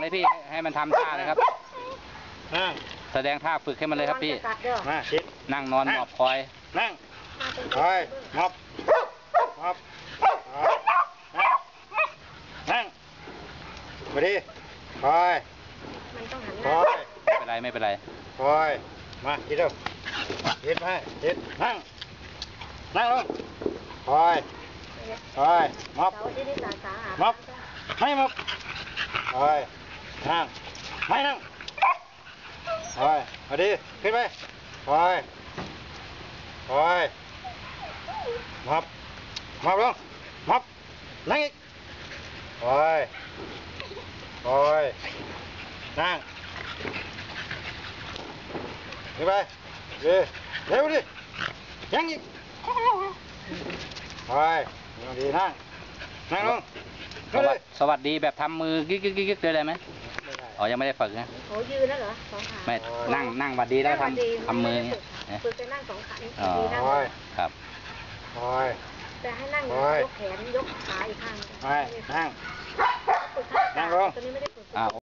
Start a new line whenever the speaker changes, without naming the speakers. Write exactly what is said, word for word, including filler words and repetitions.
เลยพี่ให้มันทำท่าเลยครับแสดงท่าฝึกให้มันเลยครับพี่
มาชิด
นั่งนอนหมอบคอย
นั่งคอยหมอบหมอบนั่งมาดิคอยคอย
ไม่เป็นไรไม่เป็นไร
คอยมาชิดเร็วชิดมาชิดนั่งนั่งลงคอยคอยหมอบหมอบไม่หมอบคอยนั่งไม่นั่งคอยมาดิขึ้นไปคอยคอยหมอบหมอบลงหมอบนั่งอีกคอยคอยนั่งขึ้นไปดิเร็วดิยังอีกคอยดีนั่งนั่งลง
สวัสดีสวัสดีแบบทำมือกิ๊กกิ๊กกิ๊กเลยได้ไหมอ๋อยังไม่ได้ฝึกนะ
โอ้ยืนแล้วเหรอสองขา
ไม่นั่งนั่งวัดดีแล้วทำทำมือเงี้ย
ฝึกจะนั่งสองขา
อ๋อครับ
คอย
แต่ให้นั่งยกแขนยกขาอีกข้าง
นั่งนั่งลง
ตอนนี้ไม่ได้ฝึก